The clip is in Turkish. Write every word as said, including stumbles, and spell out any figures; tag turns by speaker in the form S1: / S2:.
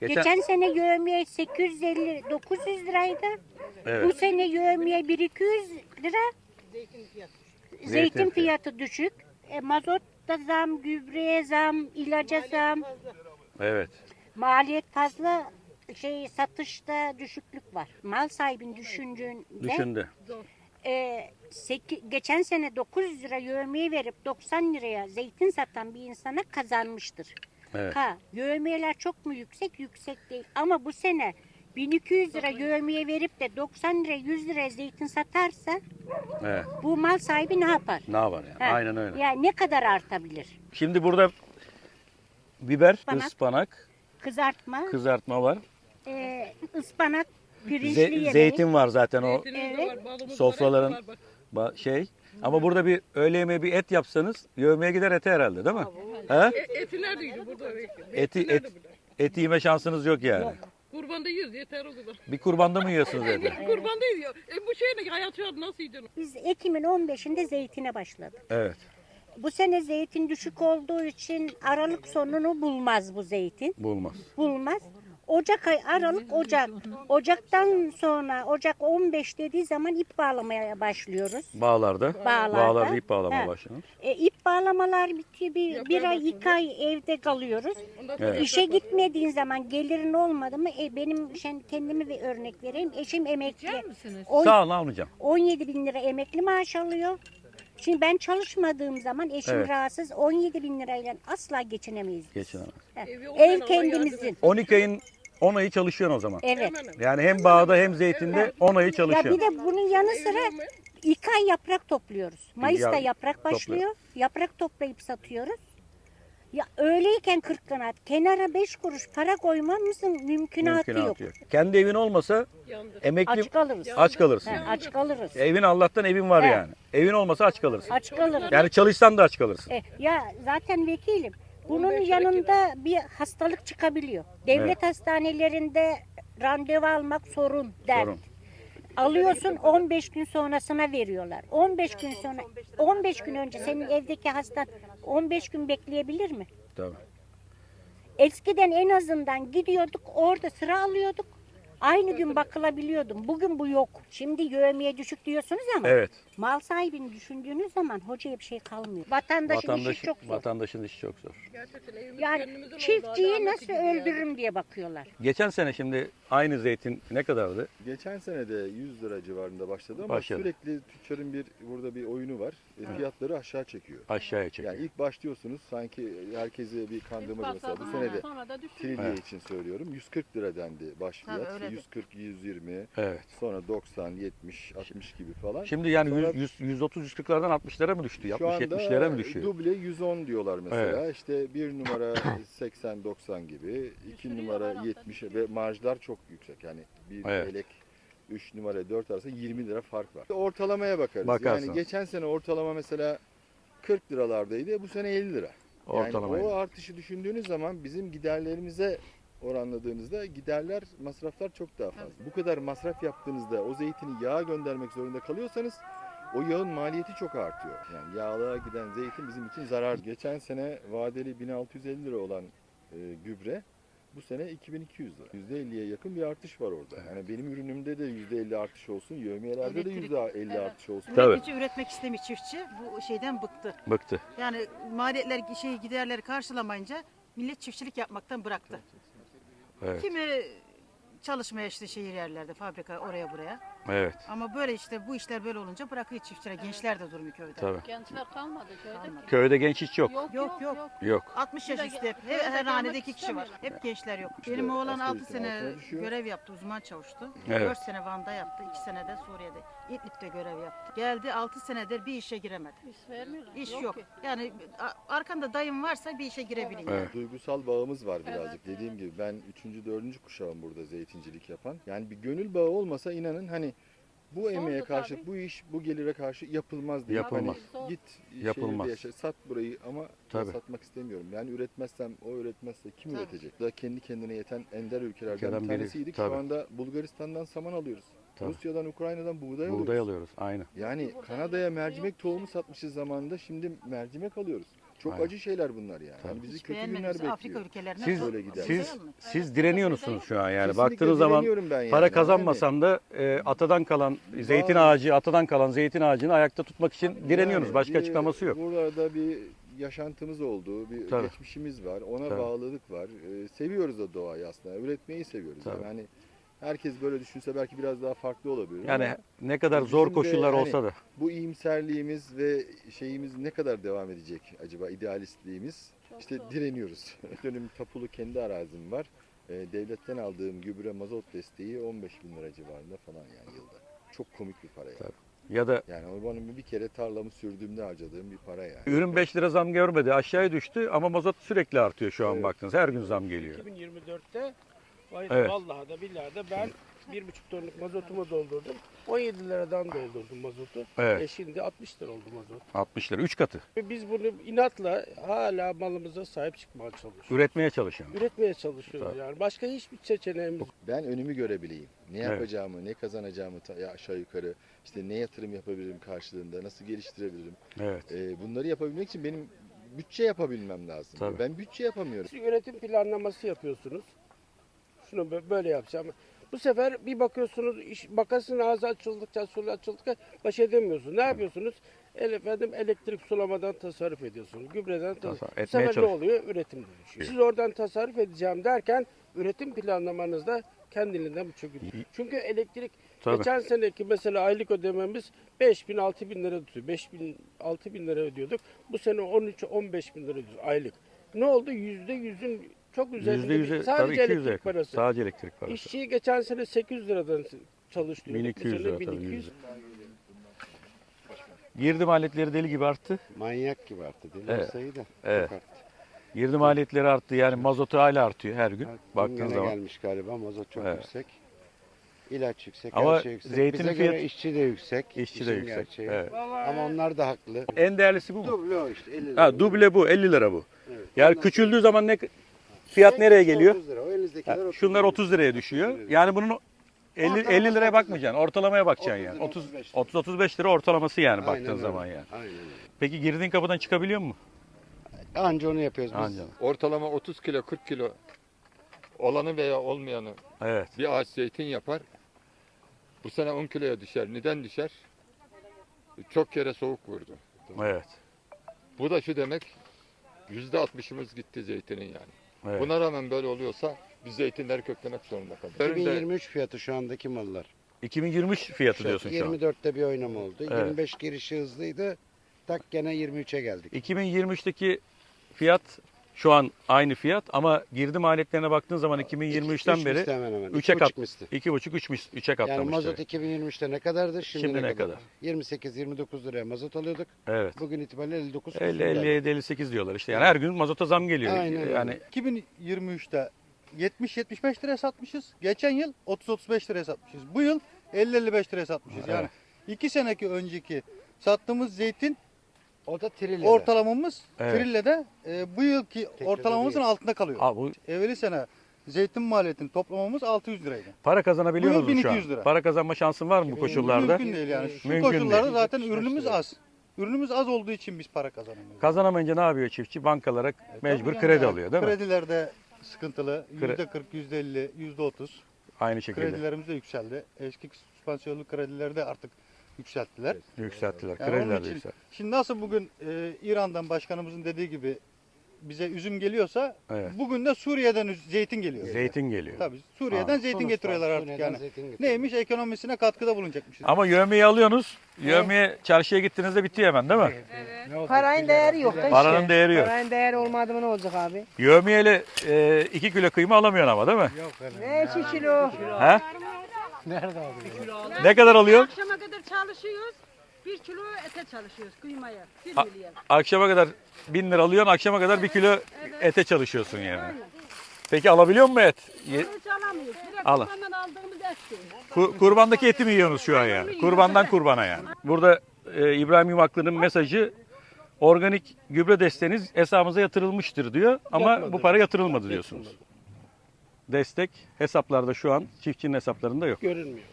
S1: Geçen,
S2: Geçen sene yövmiye sekiz yüz elli dokuz yüz liraydı.
S1: Evet.
S2: Bu sene yövmiye bin iki yüz lira. Zeytin,
S1: Zeytin
S2: fiyatı düşük. E, mazot da zam, gübreye zam, ilaca zam.
S1: evet.
S2: Maliyet fazla, şey satışta düşüklük var. Mal sahibinin düşündüğünde
S1: Düşündü.
S2: e, seki- geçen sene dokuz yüz lira yövmiye verip doksan liraya zeytin satan bir insana kazanmıştır.
S1: Evet.
S2: Ha, yövmiyeler çok mu yüksek? Yüksek değil. Ama bu sene bin iki yüz lira yövmiye verip de doksan lira yüz liraya zeytin satarsa
S1: Evet.
S2: bu mal sahibi ne yapar?
S1: Ne var yani?
S2: Ha,
S1: Aynen öyle.
S2: Yani ne kadar artabilir?
S1: Şimdi burada biber,
S2: Ispanak.
S1: ıspanak,
S2: Kızartma,
S1: kızartma var.
S2: e, ıspanak, pirinçli
S1: Ze-
S2: yemeği.
S1: zeytin var zaten o
S3: Zeytinimiz de var, balımız
S1: sofraların
S3: var, hepsi var bak.
S1: ba- şey. Ama burada bir öğle yemeği bir et yapsanız yövmeye gider ete herhalde değil mi? He?
S3: E, eti nerede yiyor burada?
S1: Eti
S3: nerede
S1: et
S3: burada?
S1: eti yeme şansınız yok yani.
S3: Kurbanda yiyoruz yeter o kadar.
S1: Bir kurbanda mı yiyorsunuz eti?
S3: Kurbanda yiyor. E bu şeyle hayat şu an nasıl yiyeceksin?
S2: Biz Ekim'in on beşinde zeytine başladık.
S1: Evet.
S2: Bu sene zeytin düşük olduğu için Aralık sonunu bulmaz bu zeytin.
S1: Bulmaz.
S2: Bulmaz. Ocak ay, Aralık, Ocak. Ocaktan sonra, Ocak on beş dediği zaman ip bağlamaya başlıyoruz.
S1: Bağlarda.
S2: Bağlarda.
S1: Bağlarda ip bağlamaya
S2: He.
S1: başlanır.
S2: E, ip bağlamalar bitiyor. Bir, bir ay, iki ay evde kalıyoruz.
S1: Evet.
S2: İşe gitmediğin zaman gelirin olmadı mı? E, benim şimdi kendimi bir örnek vereyim. Eşim emekli. On-
S1: Sağ olun almayacağım.
S2: on yedi bin lira emekli maaş alıyor. Şimdi ben çalışmadığım zaman eşim
S1: Evet.
S2: rahatsız. on yedi bin lirayla asla geçinemeyiz. biz.
S1: Geçinemez.
S2: He.
S3: Evi olmayan
S2: Ev
S3: Allah
S2: kendimizin.
S1: on iki ayın on ayı çalışıyorsun o zaman.
S2: Evet.
S1: Yani hem bağda hem zeytinde on ayı
S2: Ya
S1: çalışıyorsun.
S2: bir de bunun yanı sıra iki ay yaprak topluyoruz. Mayıs'ta
S1: Ya-
S2: yaprak başlıyor. Yaprak toplayıp satıyoruz. Ya öyleyken kırk kanat. Kenara beş kuruş para koymamızın mümkünatı,
S1: Mümkünatı
S2: yok.
S1: yok. Kendi evin olmasa
S3: Yandı.
S1: emekli
S2: Aç kalırız.
S1: aç kalırsın.
S2: He, aç kalırız.
S1: Evin Allah'tan evin var
S2: He.
S1: yani. Evin olmasa aç kalırsın.
S2: Aç kalırız.
S1: Yani çalışsan da aç kalırsın.
S2: E, ya zaten vekilim. Bunun
S3: on beş lira
S2: yanında bir hastalık çıkabiliyor. Devlet
S1: Evet.
S2: hastanelerinde randevu almak sorun der.
S1: Sorun.
S2: Alıyorsun on beş gün sonrasına veriyorlar. on beş gün sonra on beş gün önce senin evdeki hastan on beş gün bekleyebilir mi?
S1: Tabii.
S2: Eskiden en azından gidiyorduk orada sıra alıyorduk. Aynı gün bakılabiliyordum. Bugün bu yok. Şimdi yövmiye düşük diyorsunuz ama
S1: Evet.
S2: mal sahibini düşündüğünüz zaman hocaya bir şey kalmıyor. Vatandaşın
S1: Vatandaş,
S2: işi çok zor.
S1: vatandaşın işi çok zor.
S3: Gerçekten evimiz
S2: Yani
S3: kendimizin oldu.
S2: çiftçiyi
S3: Adalet
S2: nasıl
S3: gibi yani.
S2: öldürürüm diye bakıyorlar.
S1: Geçen sene şimdi aynı zeytin ne kadardı?
S4: Geçen sene de yüz lira civarında başladı ama
S1: Başladı.
S4: sürekli tüccarın bir burada bir oyunu var. E, Fiyatları aşağı çekiyor.
S1: Aşağıya çekiyor.
S4: Yani ilk başlıyorsunuz sanki herkese bir kandırmaca mesela. Bu sene de
S3: Sonra da düştü.
S4: trilye
S1: Evet.
S4: için söylüyorum. yüz kırk lira dendi baş
S5: Tabii,
S4: fiyat.
S5: öyledir.
S4: yüz kırk, yüz yirmi,
S1: Evet.
S4: sonra doksan, yetmiş, altmış gibi falan.
S1: Şimdi yani
S4: Sonra
S1: yüz, yüz otuz yüz kırklardan altmışlara mı düştü?
S4: şu
S1: altmış
S4: anda
S1: yetmişlere mi düşüyor?
S4: duble yüz on diyorlar mesela. İşte bir numara seksen doksan gibi, iki numara yetmiş ve marjlar çok yüksek. Yani bir
S1: Evet.
S4: elek üç numara dört arasında yirmi lira fark var. Ortalamaya bakarız.
S1: Bakarsınız.
S4: Yani geçen sene ortalama mesela kırk liralardaydı. Bu sene elli lira. Yani
S1: Ortalamayla.
S4: o artışı düşündüğünüz zaman bizim giderlerimize oranladığınızda giderler, masraflar çok daha fazla. Bu kadar masraf yaptığınızda o zeytini yağa göndermek zorunda kalıyorsanız o yağın maliyeti çok artıyor. Yani yağlığa giden zeytin bizim için zarar. Geçen sene vadeli bin altı yüz elli lira olan e, gübre bu sene iki bin iki yüz lira. yüzde elliye yakın bir artış var orada. Yani benim ürünümde de yüzde elli artış olsun, yevmiyelerde de
S5: Elektrik-
S4: yüzde elli
S5: Evet.
S4: artış olsun.
S1: Tabii.
S5: Üretici üretmek istemiyor çiftçi. Bu şeyden bıktı.
S1: Bıktı.
S5: Yani maliyetler, şey giderleri karşılamayınca millet çiftçilik yapmaktan bıraktı.
S1: Evet.
S5: Kimi çalışmaya işte şehir yerlerde, fabrika oraya buraya.
S1: Evet.
S5: Ama böyle işte bu işler böyle olunca bırakıyor çiftçiler. Gençler de durmuyor köyde.
S1: Tabii.
S3: Gençler kalmadı köyde.
S1: Köyde genç hiç yok.
S3: Yok
S5: Yok, yok.
S1: Yok.
S5: altmış yaş üstü hep. Her, her hanede iki kişi var. Hep gençler yok. Benim oğlan
S4: asgari
S5: altı
S4: ücretin
S5: sene
S4: altına düşüyor.
S5: görev yaptı, uzman çavuştu.
S1: Evet.
S5: dört sene Van'da yaptı, iki sene de Suriye'de. İdlib'de görev yaptı. Geldi altı senedir bir işe giremedi.
S3: İş vermiyorlar.
S5: İş yok.
S3: ki.
S5: Yani a- arkanda dayım varsa bir işe girebilin. yani.
S1: Evet.
S4: Duygusal bağımız var birazcık. Dediğim gibi ben üçüncü dördüncü kuşağım burada zeytincilik yapan. Yani bir gönül bağı olmasa inanın hani bu emeğe karşı,
S3: tabii.
S4: bu iş, bu gelire karşı yapılmaz diye.
S1: Yapılmaz.
S4: Hani git
S1: Yapılmaz.
S4: şehirde yaşa, sat burayı ama
S1: Tabii.
S4: satmak istemiyorum. Yani üretmezsem, o üretmezse kim
S5: Tabii.
S4: üretecek? Da kendi kendine yeten ender ülkelerden
S1: Ülkeden
S4: bir
S1: biri,
S4: tanesiydik.
S1: tabii.
S4: Şu anda Bulgaristan'dan saman alıyoruz.
S1: Tabii.
S4: Rusya'dan, Ukrayna'dan buğday alıyoruz.
S1: Buğday alıyoruz. Aynı.
S4: Yani Kanada'ya mercimek tohumu satmışız zamanında, şimdi mercimek alıyoruz. Çok
S1: Aynen.
S4: acı şeyler bunlar yani. Yani bizi
S5: Hiç
S4: kötü günler
S5: beğenmediğimiz Afrika
S4: bekliyor.
S5: ülkelerine
S1: Siz
S4: Böyle gider.
S1: siz siz direniyorsunuz şu an yani.
S4: Kesinlikle
S1: Baktığınız zaman
S4: direniyorum ben yani.
S1: para kazanmasam da e, atadan kalan zeytin ağacı, atadan kalan zeytin ağacını ayakta tutmak için direniyorsunuz.
S4: Yani
S1: Başka
S4: bir-
S1: açıklaması yok.
S4: Burada bir yaşantımız olduğu, bir
S1: Tabii.
S4: geçmişimiz var. Ona
S1: Tabii.
S4: bağlılık var. Ee, seviyoruz o doğayı aslında. Üretmeyi seviyoruz.
S1: Tabii.
S4: Yani hani herkes böyle düşünse belki biraz daha farklı olabilir.
S1: Yani
S4: ama
S1: ne kadar
S4: bizim
S1: zor
S4: de
S1: koşullar
S4: hani
S1: olsa da.
S4: bu iyimserliğimiz ve şeyimiz ne kadar devam edecek acaba, idealistliğimiz? İşte direniyoruz. Dönüm tapulu kendi arazim var. Ee, devletten aldığım gübre mazot desteği on beş bin lira civarında falan yani yılda. Çok komik bir para yani.
S1: Tabii. Ya da
S4: Yani o benim bir kere tarlamı sürdüğümde harcadığım bir para yani.
S1: ürün beş lira zam görmedi. Aşağıya düştü ama mazot sürekli artıyor şu an
S4: Evet.
S1: baktınız. Her gün zam geliyor.
S6: iki bin yirmi dörtte vay-
S1: Evet.
S6: vallahi da billahi de ben bir buçuk tonluk mazotumu doldurdum. on yedi liradan doldurdum mazotu.
S1: Evet.
S6: E şimdi altmış lira oldu mazot.
S1: altmış lira. üç katı.
S6: Ve biz bunu inatla hala malımıza sahip çıkmaya çalışıyoruz.
S1: Üretmeye çalışan.
S6: Üretmeye çalışıyoruz
S1: Tabii.
S6: yani. Başka hiçbir seçeneğimiz yok.
S4: Ben önümü görebileyim. Ne
S1: Evet.
S4: yapacağımı, ne kazanacağımı ta- ya aşağı yukarı, işte ne yatırım yapabilirim karşılığında, nasıl geliştirebilirim.
S1: Evet.
S4: Ee, bunları yapabilmek için benim bütçe yapabilmem lazım.
S1: Tabii.
S4: Ben bütçe yapamıyorum.
S6: Siz üretim planlaması yapıyorsunuz. Şunu bö- böyle yapacağım. Bu sefer bir bakıyorsunuz iş, makasın ağzı açıldıkça, sulu açıldıkça baş edemiyorsunuz. Ne yapıyorsunuz? El, efendim, elektrik sulamadan tasarruf ediyorsunuz. Gübreden tasarruf.
S1: Tasarruf
S6: Bu
S1: etmeye
S6: sefer ne
S1: çalış-
S6: oluyor? Üretim düşüyor. Siz oradan tasarruf edeceğim derken üretim planlamanızda kendiliğinden bu çöküyor. Çünkü elektrik
S1: Tabii.
S6: geçen seneki mesela aylık ödememiz beş bin altı bin lira tutuyor. beş bin altı bin lira ödüyorduk. Bu sene on üç on beş bin lira ödüyoruz aylık. Ne oldu? Yüzde yüzün çok üzerinde
S1: Yüzde
S6: bir-
S1: yüze tabii
S6: sadece
S1: iki yüze
S6: elektrik
S1: yakın.
S6: parası.
S1: Sadece elektrik parası.
S6: İşçiyi geçen sene sekiz yüz liradan çalıştırıyorduk.
S1: bin iki yüz
S6: Bu sene
S1: lira
S6: bin
S1: tabii.
S6: iki yüz.
S1: yüz. Girdi maliyetleri deli gibi arttı.
S7: Manyak gibi arttı. Deli
S1: Evet.
S7: olsaydı da
S1: Evet.
S7: çok arttı.
S1: Girdi maliyetleri arttı. Yani mazotu hala artıyor her gün.
S7: Evet,
S1: Baktığın
S7: güngöre
S1: zaman.
S7: gelmiş galiba. Mazot çok
S1: Evet.
S7: yüksek. İlaç yüksek,
S1: Ama
S7: her şey yüksek.
S1: zeytinin
S7: Bize
S1: fiyatı-
S7: göre işçi de yüksek.
S1: İşçi de
S7: işin
S1: yüksek.
S7: gerçeği.
S1: Evet.
S7: Ama onlar da haklı.
S1: En değerlisi bu mu?
S7: Duble o işte. elli lira.
S1: Ha, duble bu. elli lira bu.
S7: Evet.
S1: Yani
S7: Ondan
S1: küçüldüğü zaman ne fiyat
S7: sonra
S1: nereye geliyor?
S7: otuz lira. O elinizdekiler
S1: Ha,
S7: otuz
S1: şunlar
S7: lira.
S1: otuz liraya düşüyor. Yani bunun elli,
S7: Ortalaması
S1: elli liraya
S7: otuz
S1: bakmayacaksın. Ortalamaya bakacaksın
S7: otuz
S1: yani.
S7: lira,
S1: otuz
S7: otuz beş lira.
S1: otuz otuz beş lira ortalaması yani
S7: Aynen
S1: baktığın
S7: öyle.
S1: zaman yani.
S7: Aynen öyle.
S1: Peki girdiğin kapıdan çıkabiliyor mu?
S7: Anca onu yapıyoruz biz.
S1: Anca.
S8: Ortalama otuz kilo kırk kilo olanı veya olmayanı
S1: Evet.
S8: bir ağaç zeytin yapar. Bu sene on kiloya düşer. Neden düşer? Çok kere soğuk vurdu.
S1: Evet.
S8: Bu da şu demek, yüzde altmışımız gitti zeytinin yani.
S1: Evet.
S8: Buna rağmen böyle oluyorsa biz zeytinleri köklemek zorunda kalırız.
S7: iki bin yirmi üç fiyatı şu andaki mallar.
S1: iki bin yirmi üç fiyatı diyorsun şu an.
S7: yirmi dörtte bir oynama oldu.
S1: Evet.
S7: yirmi beş girişi hızlıydı. Tak gene yirmi üçe geldik.
S1: iki bin yirmi üçteki fiyat şu an aynı fiyat ama girdi maliyetlerine baktığın zaman iki bin yirmi üçten
S7: Üç
S1: beri
S7: misli hemen hemen.
S1: üçe
S7: İki
S1: kat,
S7: buçuk misli.
S1: iki buçuk üç üçe katlamış.
S7: Yani mazot
S1: demek.
S7: iki bin yirmi üçte ne kadardı? Şimdi,
S1: Şimdi
S7: ne,
S1: ne
S7: kadar?
S1: kadar?
S7: yirmi sekiz yirmi dokuz liraya mazot alıyorduk.
S1: Evet.
S7: Bugün itibariyle elli dokuz
S1: elli,
S7: küsur
S1: elli
S7: geldi.
S1: yedi, elli sekiz diyorlar işte. Yani her gün mazota zam geliyor.
S7: Aynen öyle.
S1: Yani
S9: iki bin yirmi üçte yetmiş yetmiş beş liraya satmışız. Geçen yıl otuz otuz beş liraya satmışız. Bu yıl elli elli beş liraya satmışız. Yani iki seneki önceki sattığımız zeytin
S7: O da Trille'de.
S9: ortalamamız
S1: Evet.
S9: Trille'de e, bu yılki ortalamamızın
S7: değil.
S9: altında kalıyor.
S1: Aa, bu
S9: Evveli sene zeytin maliyetini toplamamız altı yüz liraydı.
S1: para kazanabiliyor
S9: Bu yıl
S1: musun şu
S9: bin iki yüz
S1: an?
S9: lira.
S1: Para kazanma şansın var mı bu koşullarda?
S9: Mümkün değil yani. Şu
S1: Mümkün
S9: koşullarda
S1: değil.
S9: zaten
S7: yetmiş beş
S9: ürünümüz
S7: lira.
S9: az. Ürünümüz az olduğu için biz para kazanamıyoruz.
S1: Kazanamayınca ne yapıyor çiftçi? Bankalara mecbur
S9: Tabii
S1: kredi
S9: yani
S1: alıyor değil mi?
S9: Kredilerde sıkıntılı.
S1: Kre-
S9: yüzde kırk, yüzde elli, yüzde otuz.
S1: Aynı şekilde
S9: Kredilerimiz de yükseldi. Eski süspansiyonlu kredileri de artık yükselttiler.
S1: yükselttiler.
S9: Yani onun
S1: Krediler de
S9: için-
S1: yükseltti.
S9: Şimdi nasıl bugün e, İran'dan başkanımızın dediği gibi bize üzüm geliyorsa
S1: Evet.
S9: bugün de Suriye'den üz- zeytin geliyor.
S1: Zeytin geliyor.
S9: Tabii Suriye'den
S1: Aa.
S9: zeytin
S7: Tunus'tan,
S9: getiriyorlar artık
S7: Suriye'den
S9: yani.
S7: zeytin getiriyor.
S9: Neymiş? Ekonomisine katkıda bulunacakmışız.
S1: Ama yövmeyi alıyorsunuz. Yövmeye çarşıya gittiğinizde bitiyor hemen değil mi?
S10: Parayın değeri yok da işte.
S1: Paranın değeri yok.
S10: Parayın değeri olmadı mı ne olacak abi?
S1: Yövmeyle e, iki kilo kıyma alamıyorsun ama değil mi?
S10: Ne iki kilo?
S1: He? Ne kadar alıyor?
S3: Akşama kadar çalışıyoruz. Bir kilo ete çalışıyoruz kıymaya. Bir
S1: A-
S3: milyon.
S1: Akşama kadar bin lira alıyorsun, akşama kadar bir kilo ete çalışıyorsun yani. Peki alabiliyor musun et? Ye-
S3: Hiç alamıyoruz. Direkt
S1: Alın.
S3: kurbandan aldığımız etti.
S1: Ku- kurbandaki eti mi yiyorsunuz şu an yani? Kurbandan kurbana yani. Burada e, İbrahim Yumaklı'nın mesajı organik gübre desteğiniz hesabımıza yatırılmıştır diyor ama
S6: Yatmadı.
S1: bu para yatırılmadı diyorsunuz. Destek hesaplarda şu an çiftçinin hesaplarında yok.
S6: Görünmüyor.